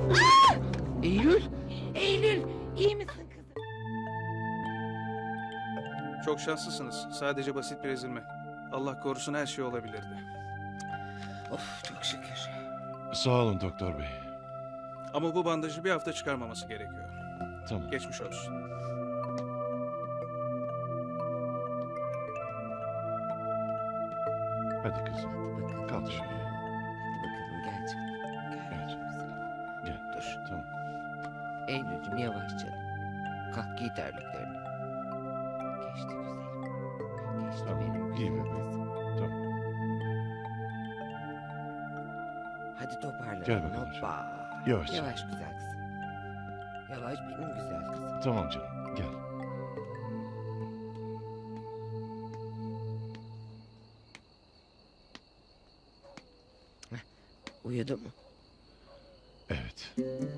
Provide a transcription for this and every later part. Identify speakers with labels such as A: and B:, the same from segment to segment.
A: Eylül! Eylül! İyi misin kızım?
B: Çok şanslısınız. Sadece basit bir ezilme. Allah korusun her şey olabilirdi.
A: Of çok şükür.
C: Sağ olun doktor bey.
B: Ama bu bandajı bir hafta çıkarmaması gerekiyor.
C: Tamam.
B: Geçmiş olsun.
C: Hadi kızım.
A: Bakalım.
C: Kalk şöyle.
A: Bakalım gel canım. Gel.
C: Gel.
A: Güzel.
C: Gel.
A: Dur.
C: Tamam.
A: Eylül'cüm yavaş canım. Kalk giy terliklerini. Geçti güzelim. Geçti
C: Tamam,
A: benim
C: giy
A: güzel
C: bebeğim.
A: kızım.
C: Tamam.
A: Hadi toparlan.
C: Gel bakalım
A: Hoppa.
C: Yavaş.
A: Yavaş güzel kızım. Yavaş benim güzel kızım.
C: Tamam canım. Gel.
A: Uyudu mu?
C: Evet.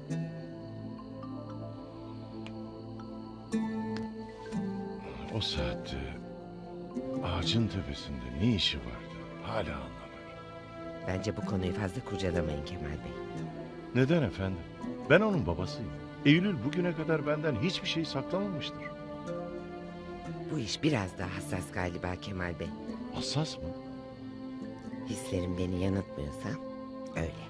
C: O saatte ağacın tepesinde ne işi vardı? Hala anlamıyorum.
A: Bence bu konuyu fazla kurcalamayın Kemal Bey.
C: Neden efendim? Ben onun babasıyım. Eylül bugüne kadar benden hiçbir şey saklamamıştır.
A: Bu iş biraz daha hassas galiba Kemal Bey.
C: Hassas mı?
A: Hislerim beni yanıltmıyorsa öyle.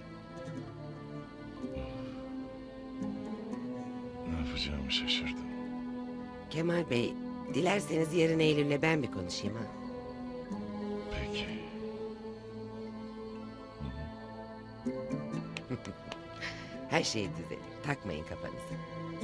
C: Ne yapacağımı şaşırdım.
A: Kemal Bey, dilerseniz yarın Eylül'le ben bir konuşayım ha.
C: Peki.
A: Her şey düzelir. Takmayın kafanızı.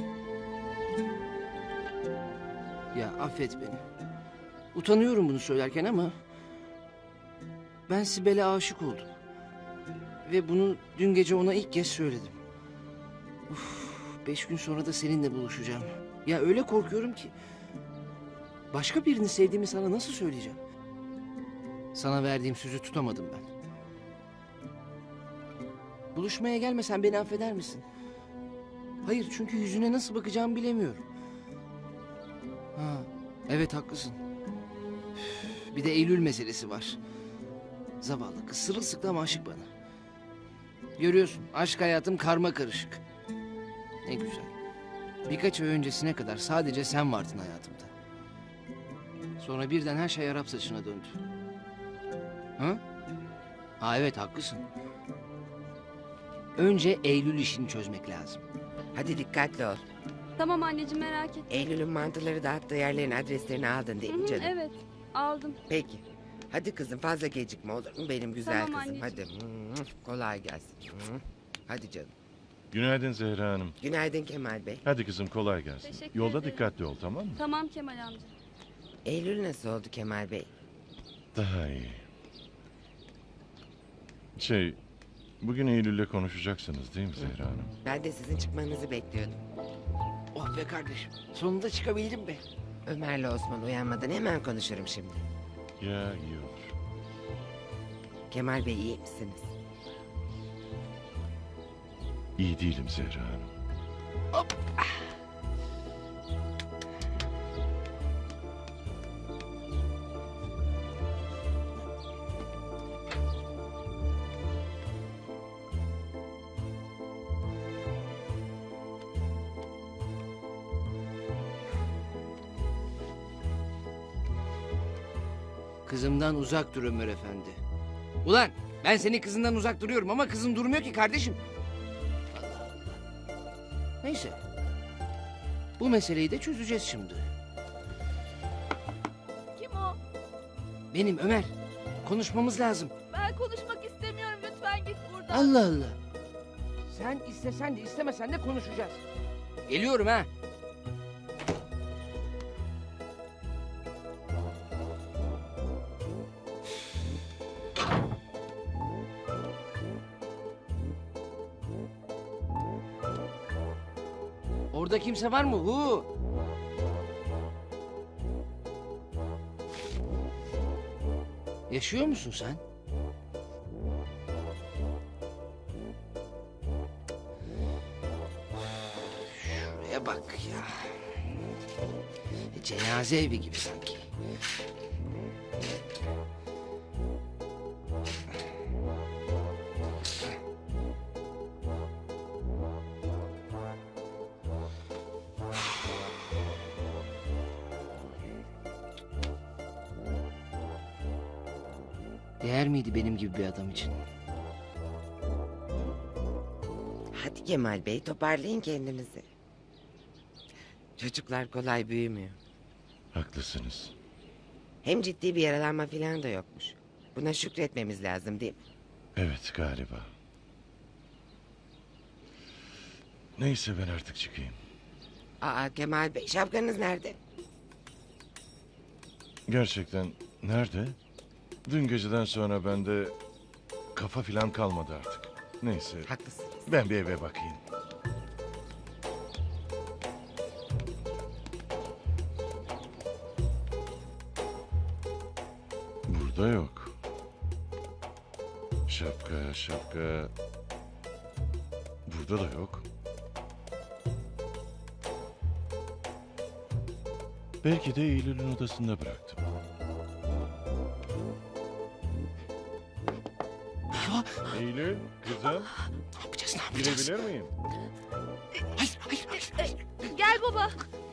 D: Ya affet beni. Utanıyorum bunu söylerken ama... ben Sibel'e aşık oldum. Ve bunu dün gece ona ilk kez söyledim. Uf, 5 gün sonra da seninle buluşacağım. Ya öyle korkuyorum ki... başka birini sevdiğimi sana nasıl söyleyeceğim? Sana verdiğim sözü tutamadım ben. Buluşmaya gelmesen beni affeder misin? Hayır, çünkü yüzüne nasıl bakacağımı bilemiyorum. Ha, evet haklısın. Üf, bir de Eylül meselesi var. Zavallı kız sırılsıklam aşık bana. Görüyorsun, aşk hayatım karma karışık. Ne güzel. Birkaç ay öncesine kadar sadece sen vardın hayatımda. Sonra birden her şey Arap saçına döndü. Ha? Ha evet haklısın. Önce Eylül işini çözmek lazım.
A: Hadi dikkatli ol.
E: Tamam anneciğim merak etme.
A: Eylül'ün mantıları dağıttığı yerlerin adreslerini aldın değil
E: Hı
A: mi
E: hı,
A: canım?
E: evet aldım.
A: Peki. Hadi kızım fazla gecikme olur mu benim güzel
E: Tamam
A: kızım? Hadi.
E: anneciğim.
A: Kolay gelsin. Hadi canım.
C: Günaydın Zehra Hanım.
A: Günaydın Kemal Bey.
C: Hadi kızım kolay gelsin.
E: Teşekkür
C: Yolda
E: ederim.
C: dikkatli ol tamam mı?
E: Tamam Kemal amca.
A: Eylül nasıl oldu Kemal Bey?
C: Daha iyi. Bugün Eylül'le konuşacaksınız değil mi Zehra Hanım?
A: Ben de sizin çıkmanızı bekliyordum.
D: Oh be kardeşim, sonunda çıkabildim be.
A: Ömer'le Osman uyanmadan hemen konuşurum şimdi.
C: Ya iyi olur.
A: Kemal Bey iyi misiniz?
C: İyi değilim Zehra Hanım.
D: Kızımdan uzak dur Ömer Efendi. Ulan ben senin kızından uzak duruyorum ama kızın durmuyor ki kardeşim. Allah Allah. Neyse. Bu meseleyi de çözeceğiz şimdi.
F: Kim o?
D: Benim Ömer. Konuşmamız lazım.
F: Ben konuşmak istemiyorum. Lütfen git buradan.
D: Allah Allah. Sen istesen de istemesen de konuşacağız. Geliyorum ha. Orada kimse var mı? Hu. Yaşıyor musun sen? Şuraya bak ya. Cenaze evi gibi sanki. Değer miydi benim gibi bir adam için?
A: Hadi Kemal Bey, toparlayın kendinizi. Çocuklar kolay büyümüyor.
C: Haklısınız.
A: Hem ciddi bir yaralanma falan da yokmuş. Buna şükretmemiz lazım değil mi?
C: Evet galiba. Neyse ben artık çıkayım.
A: Aa Kemal Bey, şapkanız nerede?
C: Gerçekten nerede? Dün geceden sonra bende kafa filan kalmadı artık. Neyse
A: Haklısınız.
C: ben bir eve bakayım. Burada yok. Şapka. Burada da yok. Belki de Eylül'ün odasında bıraktım. Eylül, kızım,
D: Ne yapacağız, ne yapacağız?
C: girebilir miyim?
D: Hayır.
F: Gel baba.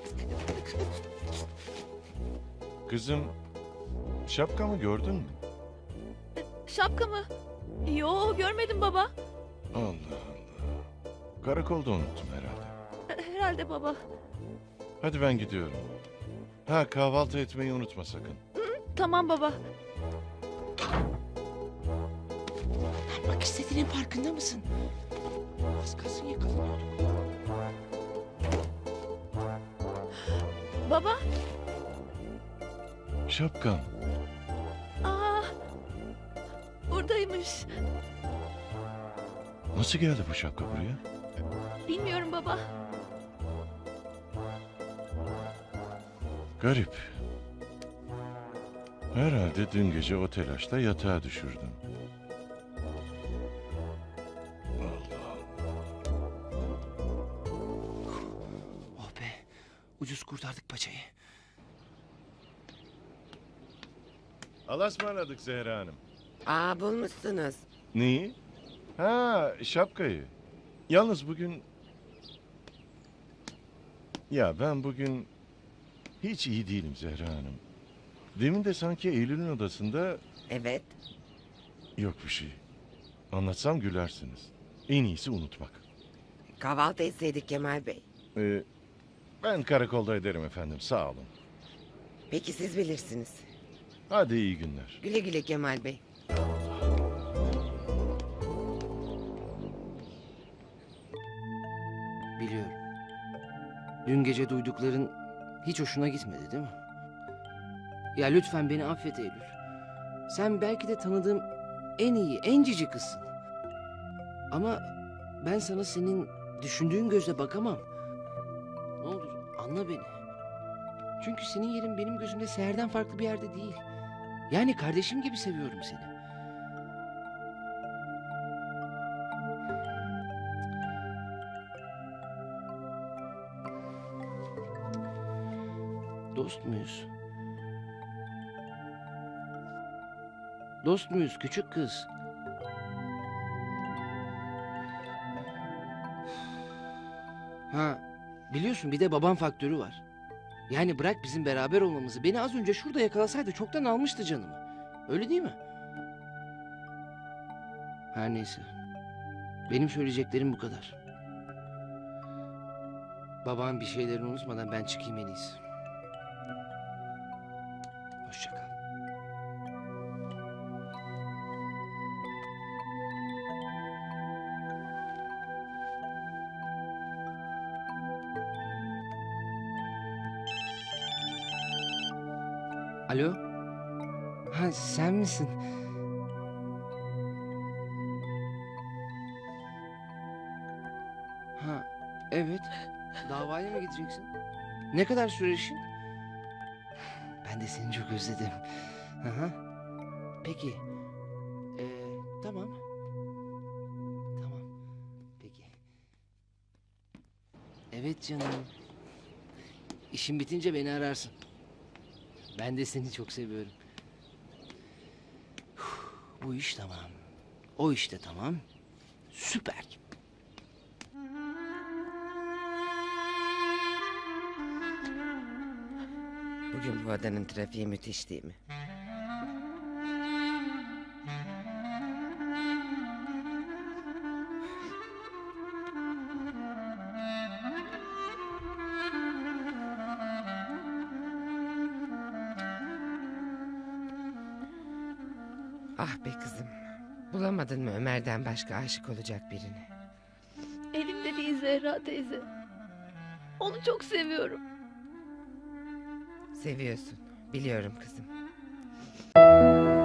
C: Kızım, şapkamı gördün mü?
F: Şapka mı? Yo, görmedim baba.
C: Allah Allah. Karakolda unuttum herhalde.
F: Herhalde baba.
C: Hadi ben gidiyorum. Ha, kahvaltı etmeyi unutma sakın.
F: Tamam baba.
D: Ne yapmak istediğinin farkında mısın? Az kalsın yakalanıyorduk.
F: Baba.
C: Şapkam.
F: Aa. Buradaymış.
C: Nasıl geldi bu şapka buraya?
F: Bilmiyorum baba.
C: Garip. Herhalde dün gece o telaşla yatağa düşürdüm.
D: Oh be. Ucuz kurtardık paçayı.
C: Allah'a ısmarladık Zehra Hanım.
A: Aa bulmuşsunuz.
C: Neyi? Ha, şapkayı. Yalnız bugün... Ya ben bugün hiç iyi değilim Zehra Hanım. Demin de sanki Eylül'ün odasında
A: Evet.
C: yok bir şey. Anlatsam gülersiniz. En iyisi unutmak.
A: Kahvaltı etseydik Kemal Bey.
C: Ben karakolda ederim efendim, sağ olun.
A: Peki siz bilirsiniz.
C: Hadi iyi günler.
A: Güle güle Kemal Bey.
D: Biliyorum. Dün gece duydukların hiç hoşuna gitmedi değil mi? Ya lütfen beni affet Eylül. Sen belki de tanıdığım en iyi, en cici kızsın. Ama ben sana senin düşündüğün gözle bakamam. Ne olur anla beni. Çünkü senin yerin benim gözümde Seher'den farklı bir yerde değil. Yani kardeşim gibi seviyorum seni. Dost muyuz? Dost muyuz küçük kız? Ha, biliyorsun bir de babam faktörü var. Yani bırak bizim beraber olmamızı. Beni az önce şurada yakalasaydı çoktan almıştı canımı. Öyle değil mi? Her neyse. Benim söyleyeceklerim bu kadar. Babam bir şeyleri unutmadan ben çıkayım en iyisi. Hoşça kal. Alo? Ha sen misin? Ha evet. Davaya mı gideceksin? Ne kadar sürer işin? Ben de seni çok özledim. Aha. Peki. Tamam. Tamam. Peki. Evet canım. İşin bitince beni ararsın. Ben de seni çok seviyorum. Bu iş tamam. O iş de tamam. Süper.
A: Bugün bu adanın trafiği müthiş değil mi? Ah be kızım. Bulamadın mı Ömer'den başka aşık olacak birini?
F: Elimde değil Zehra teyze. Onu çok seviyorum.
A: Seviyorsun. Biliyorum kızım.